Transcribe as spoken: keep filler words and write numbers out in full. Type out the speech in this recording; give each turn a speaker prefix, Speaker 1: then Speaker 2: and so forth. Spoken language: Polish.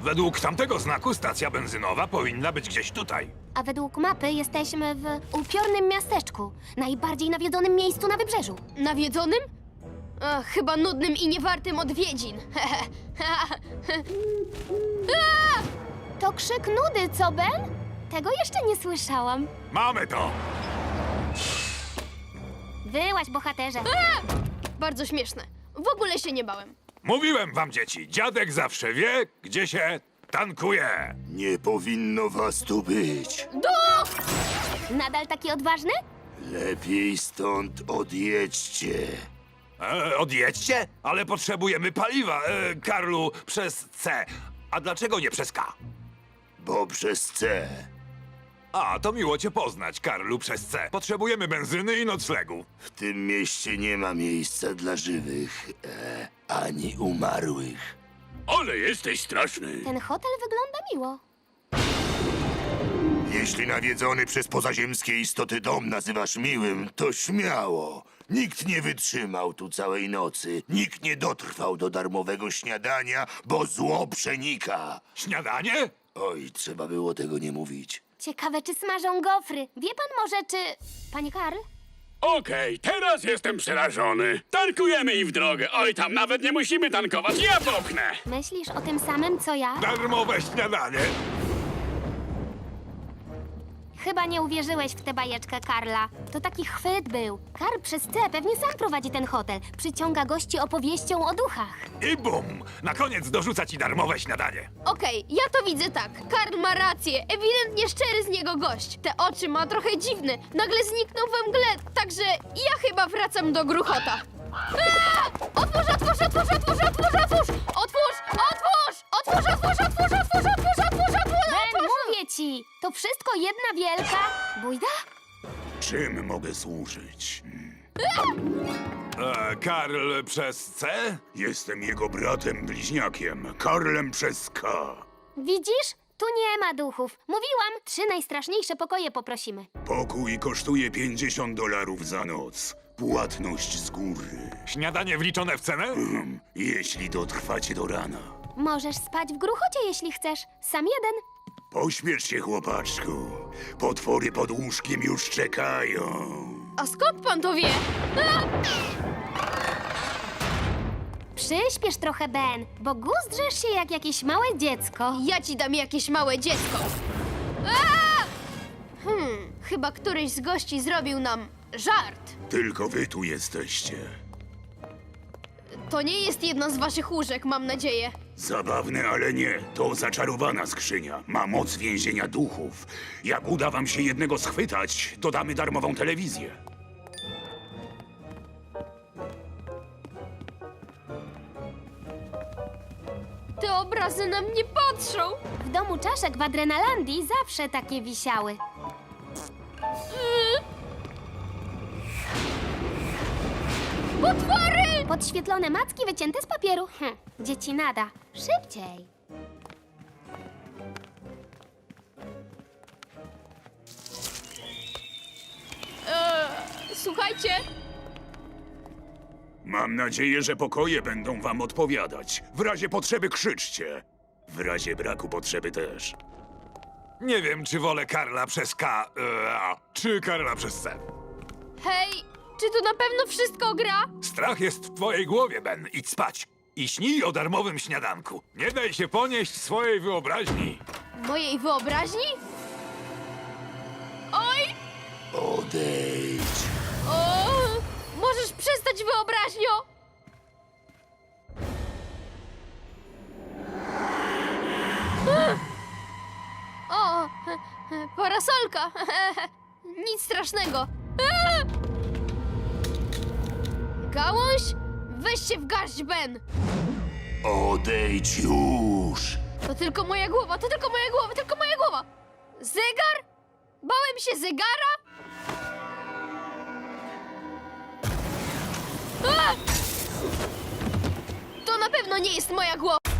Speaker 1: Według tamtego znaku stacja benzynowa powinna być gdzieś tutaj.
Speaker 2: A według mapy jesteśmy w upiornym miasteczku. Najbardziej nawiedzonym miejscu na wybrzeżu.
Speaker 3: Nawiedzonym? Ach, chyba nudnym i niewartym odwiedzin.
Speaker 2: To krzyk nudy, co, Ben? Tego jeszcze nie słyszałam.
Speaker 1: Mamy to!
Speaker 2: Wyłaź, bohaterze.
Speaker 3: Bardzo śmieszne. W ogóle się nie bałem.
Speaker 1: Mówiłem wam, dzieci, dziadek zawsze wie, gdzie się tankuje.
Speaker 4: Nie powinno was tu być.
Speaker 2: Nadal taki odważny?
Speaker 4: Lepiej stąd odjedźcie.
Speaker 1: E, odjedźcie? Ale potrzebujemy paliwa, e, Karlu, przez C. A dlaczego nie przez K?
Speaker 4: Bo przez C.
Speaker 1: A, to miło cię poznać, Karlu, przez C. Potrzebujemy benzyny i noclegu.
Speaker 4: W tym mieście nie ma miejsca dla żywych, e, ani umarłych.
Speaker 1: Ale jesteś straszny.
Speaker 2: Ten hotel wygląda miło.
Speaker 4: Jeśli nawiedzony przez pozaziemskie istoty dom nazywasz miłym, to śmiało. Nikt nie wytrzymał tu całej nocy. Nikt nie dotrwał do darmowego śniadania, bo zło przenika.
Speaker 1: Śniadanie?
Speaker 4: Oj, trzeba było tego nie mówić.
Speaker 2: Ciekawe, czy smażą gofry. Wie pan może, czy... Panie Karl?
Speaker 5: Okej, teraz jestem przerażony. Tankujemy i w drogę. Oj, tam nawet nie musimy tankować, ja popchnę.
Speaker 2: Myślisz o tym samym, co ja?
Speaker 1: Darmowe śniadanie.
Speaker 2: Chyba nie uwierzyłeś w tę bajeczkę Karla. To taki chwyt był. Karl przez C pewnie sam prowadzi ten hotel. Przyciąga gości opowieścią o duchach.
Speaker 1: I bum! Na koniec dorzuca ci darmowe śniadanie.
Speaker 3: Okej, ja to widzę tak. Karl ma rację. Ewidentnie szczery z niego gość. Te oczy ma trochę dziwne. Nagle zniknął we mgle, także ja chyba wracam do gruchota. Aaa! Otwórz, otwórz, otwórz, otwórz, otwórz, otwórz! Otwórz, otwórz! Otwórz, otwórz, otwórz, otwórz, otwórz, otwórz, otwórz!
Speaker 2: Ben, mówię ci! To wszystko jedna wielka... bójda?
Speaker 4: Czym mogę służyć?
Speaker 1: E, Karl przez C?
Speaker 4: Jestem jego bratem bliźniakiem, Karlem przez K.
Speaker 2: Widzisz? Tu nie ma duchów. Mówiłam, trzy najstraszniejsze pokoje poprosimy.
Speaker 4: Pokój kosztuje pięćdziesiąt dolarów za noc. Płatność z góry.
Speaker 1: Śniadanie wliczone w cenę?
Speaker 4: Hmm, jeśli dotrwacie do rana.
Speaker 2: Możesz spać w gruchocie, jeśli chcesz. Sam jeden.
Speaker 4: Pośpiesz się, chłopaczku. Potwory pod łóżkiem już czekają.
Speaker 3: A skąd pan to wie?
Speaker 2: Przyśpiesz trochę, Ben, bo guzdrzesz się jak jakieś małe dziecko.
Speaker 3: Ja ci dam jakieś małe dziecko. Aaa! Hmm, chyba któryś z gości zrobił nam żart.
Speaker 4: Tylko wy tu jesteście.
Speaker 3: To nie jest jedna z waszych łóżek, mam nadzieję.
Speaker 4: Zabawne, ale nie. To zaczarowana skrzynia. Ma moc więzienia duchów. Jak uda wam się jednego schwytać, dodamy darmową telewizję.
Speaker 3: Te obrazy na mnie patrzą.
Speaker 2: W domu czaszek w Adrenalandii zawsze takie wisiały.
Speaker 3: Potwory!
Speaker 2: Podświetlone macki wycięte z papieru. Hm, dzieci nada. Szybciej.
Speaker 3: Słuchajcie,
Speaker 4: Mam nadzieję, że pokoje będą wam odpowiadać. W razie potrzeby krzyczcie. W razie braku potrzeby też.
Speaker 1: Nie wiem, czy wolę Karla przez K, e, a, czy Karla przez C.
Speaker 3: hej, czy tu na pewno wszystko gra?
Speaker 1: Strach jest w twojej głowie, Ben. Idź spać. I śnij o darmowym śniadanku. Nie daj się ponieść swojej wyobraźni.
Speaker 3: Mojej wyobraźni? Oj!
Speaker 4: Odejdź.
Speaker 3: O! Możesz przestać, wyobraźnio! O! Parasolka! Nic strasznego! Gałąź? Weź się w garść, Ben!
Speaker 4: Odejdź już.
Speaker 3: To tylko moja głowa, to tylko moja głowa, tylko moja głowa! Zegar? Bałem się zegara? A! To na pewno nie jest moja głowa!